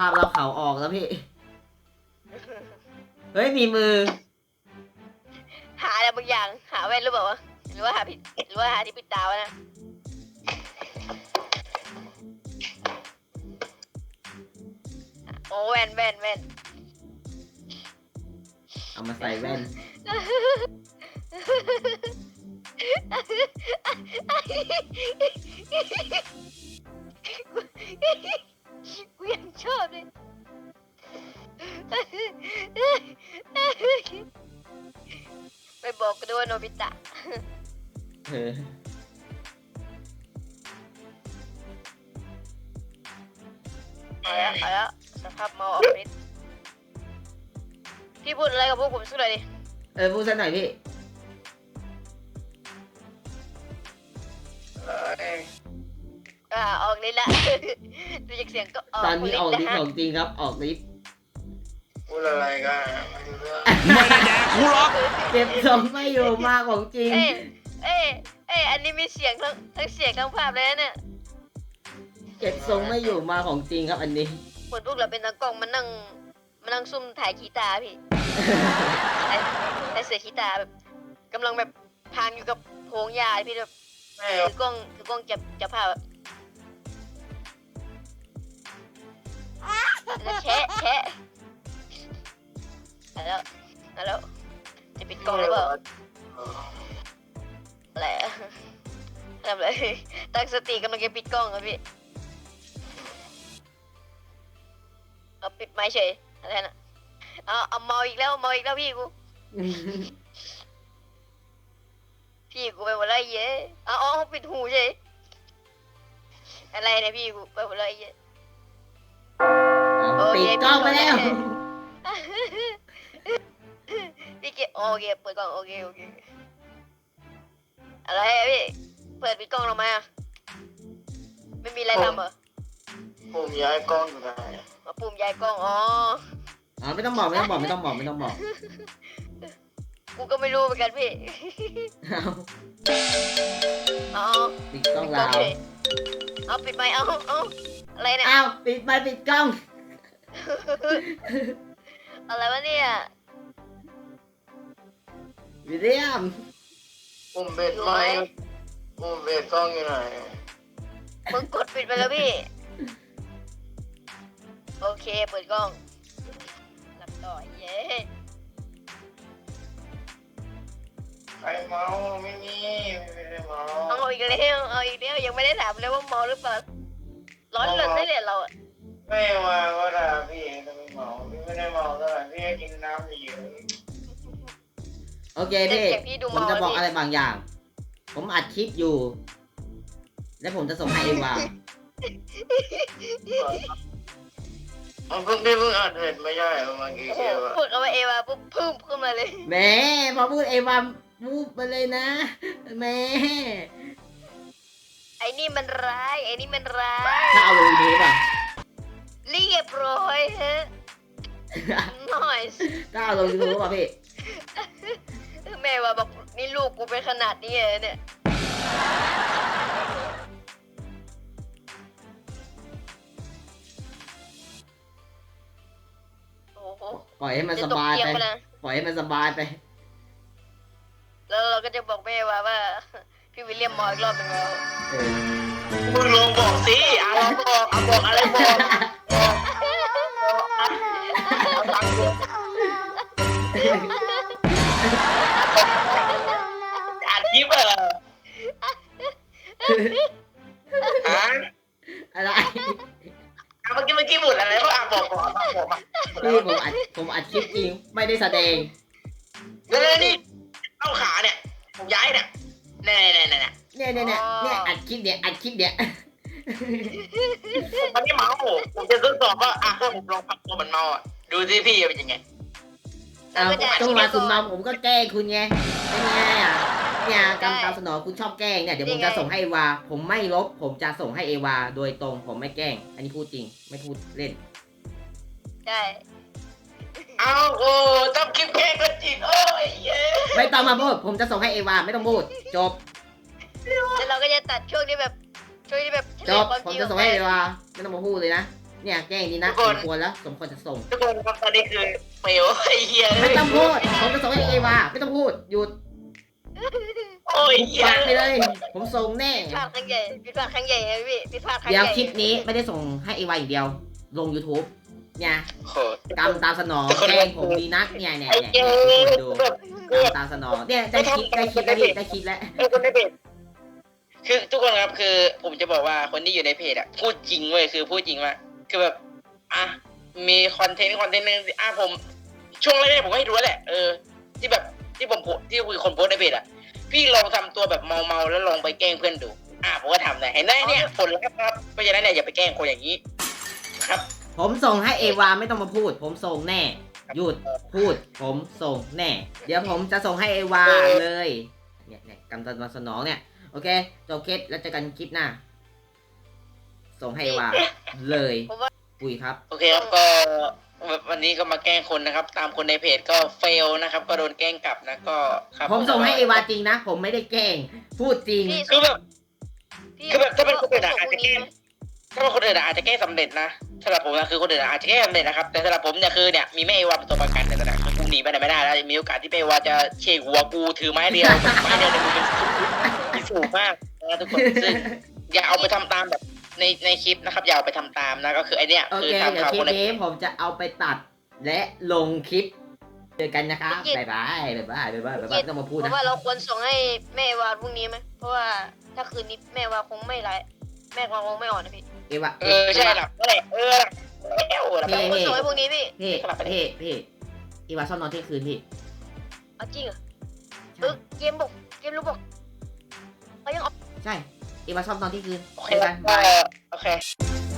าพเราเขาออกแล้วพี่ เฮ้ยมีมือหาอะไรบางอย่างหาแว่นหรือเปล่าวะหรือว่าหาผิดหรือว่าหาที่ปิดตาวะนะโอ้แว่นเอามาใส่แว่นกูยังชอบเลยไปบอกกันด้วยว่าโนบิตะเออเอาแล้วสภาพเมาออกฤทธิ์พี่พูดอะไรกับพวกผมสักหน่อยดิพูดสักหน่อยพี่ออกฤทธิ์ละ ดูจากเสียงก็ออกตอนนี้ออกฤทธิ์นะของจริงครับออกฤทธิ์พูดอะไรกันไม่รู้เรื่องไม่ได้แดกกูหรอกเก็บทรงไม่อยู่มาของจริงเอ้ยอันนี้มีเสียงทั้งเสียงทั้งภาพเลยนะเนี่ยเก็บทรงไม่อยู่มาของจริงครับอันนี้เหมือนพวกเราเป็นนักกล้องมานั่งซุ่มถ่ายขีตาพี่ ไอเสือขีตาแบบกำลังแบบพางอยู่กับโพงหญ้าพี่แบบแม่ถือกล้องจับภาพแบบแล้วแชะแล้วจะปิดกล้องหรือเปล่าอะไรอะทำอะไรตั้งสติกำลังจะปิดกล้องครับพี่เอาปิดไม้เฉยอะไรนะเอาเมาอีกแล้วพี่กู พี่กูไปหมดแล้วไอ้เย้เอาปิดหูเฉยอะไรเนี่ยพี่กูไปหมดแล้วไอ้เย้ปิดกล้องไปแล้วพี่เกโอเคเปิดกล้องโอเคอะไรอะพี่เปิดปิดกล้องทำไมอะไม่มีอะไรทำเหรอผมย้ายกล้องอยู่ไหนมาปุ่มย้ายกล้องอ๋อไม่ต้องบอกกูก็ไม่รู้เหมือนกันพี่เอาเอาปิดกล้องเราเฉยเอาปิดไมค์เอาอะไรเนี่ยอ้าวปิดไปปิดกล้องอะไรวะเนี่ยวิลเลียมผมเบ็ดไหมผมเบ็ดกล้องอยู่ไหนมึงกดปิดไปแล้วพี่โอเคเปิดกล้องหลับต่อเย้ใครเมาไม่มีไม่ได้เมาเอาอีกแล้วยังไม่ได้ถามเลยว่าเมาหรือเปล่าร้อนรนได้เลยเราอะไม่มาก็ด่าพี่จะไม่เมาพี่ไม่ได้เมาเท่าไหร่พี่กินน้ำเยอะโอเคพี่ผมจะบอกอะไรบางอย่าง ผมอัดคลิปอยู่ และผมจะส่งให้เอวาเอาเพิ่งอ่านเห็นไม่ใช่เมื่อกี้โอ้โหเกี่ยวอะพูดเอาว่าเอวาปุ๊บพึ่มขึ้นมาเลยแหม่พอพูดเอวามูฟไปเลยนะแหม่ไอ้นี่มันร้ายถ้าเอาลงยูทูบอ่ะเรียบร้อยฮะ nice ถ้าเอาลงยูทูบอ่ะพี่แม่ว่าบอกนี่ลูกกูเป็นขนาดนี้เลยเนี่ยโอ้โหปล่อยให้มันสบายจะตกเตียงไปไปนะปล่อยให้มันสบายไปแล้วเราก็จะบอกแม่ว่า พี่วิลเลียมมออีกรอบหนึ่งแล้วเออมึงลองบอกสิบอกอะไรบอกอ่านคลิปเหรอฮะอะไรเมื่อกี้หมดอะไรวะบอกมาพี่ผมอัดคลิปจริง ไม่ได้แสดงแล้วนี่เอาขาเนี่ยผมย้ายเนี่ยเนี่ยอัดคลิปเนี่ยมันไม่เมาผมจะทดสอบว่าถ้าผมลองพักตัวมันเมาอ่ะดูสิพี่เป็นยังไงเอาต้องมาคุณมาผมก็แกล้งคุณไงเป็นไงอ่ะเนี่ยกำตามสนองคุณชอบแกล้งเนี่ยเดี๋ยวผมจะส่งให้เอวาผมไม่ลบผมจะส่งให้เอวาโดยตรงผมไม่แกล้ง อันนี้พูดจริงไม่พูดเล่นใช่เอาโอ้ต้องคลิปแกล้งก็จริงโอ้ยเย้ไม่ต้องมาพูดผมจะส่งให้เอวาไม่ต้องพูดจบแล้วเราก็จะตัดช่วงที่แบบจบผมจะส่งให้เอวาไม่ต้องมาพูดเลยนะเนี่ยแกล้งดีนะทุกคนสมควรแล้วสมควรจะส่งทุกคนครับตอนนี้คือเฟลไอ้เหี้ยไม่ต้องพูดผมจะส่งให้เอวาไม่ต้องพูดหยุดโอ้ยเหี้ยปากไปเลย ผมส่งแน่ผิดพลาดครั้งใหญ่ผิดพลาดครั้งใหญ่นะพี่ผิดพลาดครั้งใหเดี๋ยวญ่คลิปนี้ไม่ได้ส่งให้เอวาอย่างเดียว ลง YouTube เนี่ยโหกรรมตามสนองแกล้งผมดีนักเนี่ยเนี่ยไอ้เนี่ยเหี้ยทุกคนดูแบบกรรมตามสนองเนี่ยได้คลิปแล้วพี่ได้คลิปแล้วไอ้คนในเพจคือทุกคนครับคือผมจะบอกว่าคนที่อยู่ในเพจอะพูดจริงเว้ยคือพูดจริงว่าคือแบบอ่ะมีคอนเทนต์นึงผมช่วงแรกๆผมก็ให้รู้แหละที่แบบที่ผมโพสที่คุยคนโพสในเพจอะพี่ลองทำตัวแบบเมาแล้วลองไปแกล้งเพื่อนดูผมก็ทำได้เห็นไหมเนี่ยผลลัพธ์ครับเพราะฉะนั้นเนี่ยอย่าไปแกล้งคนอย่างนี้ครับผมส่งให้เอวาไม่ต้องมาพูด ผมส่งแน่ หยุดพูด ผมส่งแน่ เดี๋ยวผมจะส่งให้เอวาเลยเนี่ยกรรมตามสนองเนี่ยโอเคจบคลิปแล้วเจอกันคลิปหน้า ส่งให้เอวาเลยปุยครับโอเคครับก็วันนี้ก็มาแกล้งคนนะครับ ตามคนในเพจก็เฟลนะครับ ก็โดนแกล้งกลับนะก็ครับผมส่งให้เอวาจริงนะ ผมไม่ได้แกล้ง พูดจริงพี่คือแบบพี่คือแบบถ้าเป็นคนอื่นอะส่งอาจพจะรุ่งแกล้นี้งถ้าเป็นคนอื่นอะอาจจะแกล้งสำเร็จนะสำหรับผมนะคือคนอื่นอะอาจจะแกล้งสำเร็จนะครับแต่สำหรับผมเนี่ยคือเนี่ยมีแม่เอวาเป็นตัวประกันแต่ตอนนั้นกูหนีไปไหนไม่ได้แล้วมีโอกาสที่แม่เอวาจะเชกหัวกูถือไม้เดียวไม้เดียวเนี่ยมันเป็นที่สูงมากนะทุกคนซึ่งอย่าเอาไปทำตามแบบในคลิปนะครับอย่าเอาไปทำตามนะก็คือไอเนี้ยโอคือเคทำเดี๋ยวข่าวคลิคปนในนี้ผมจะเอาไปตัดและลงคลิป เจอกันนะครับบ๊ายบายบ๊ายบายบ๊ายบายบ๊ายบายไม่ต้องมาพูดเพนะราะว่าเราควรส่งให้แม่วาพรุ่งนี้ไหมเพราะว่าถ้าคืนนี้แม่วาคงไม่ไลฟ์แม่วาคงไม่อ่อนนะพี่เอวาใช่หลับนั่นแหละหลับเฮ้ควรส่งให้พรุ่งนี้พี่พี่เอวาชอบนอนเที่ยงคืนพี่เอาจริงเหรอเกมรู้บอกเขายังออกใช่เอวาชอบนอนเที่ยงคืนโอเคเจอกันบายโอเค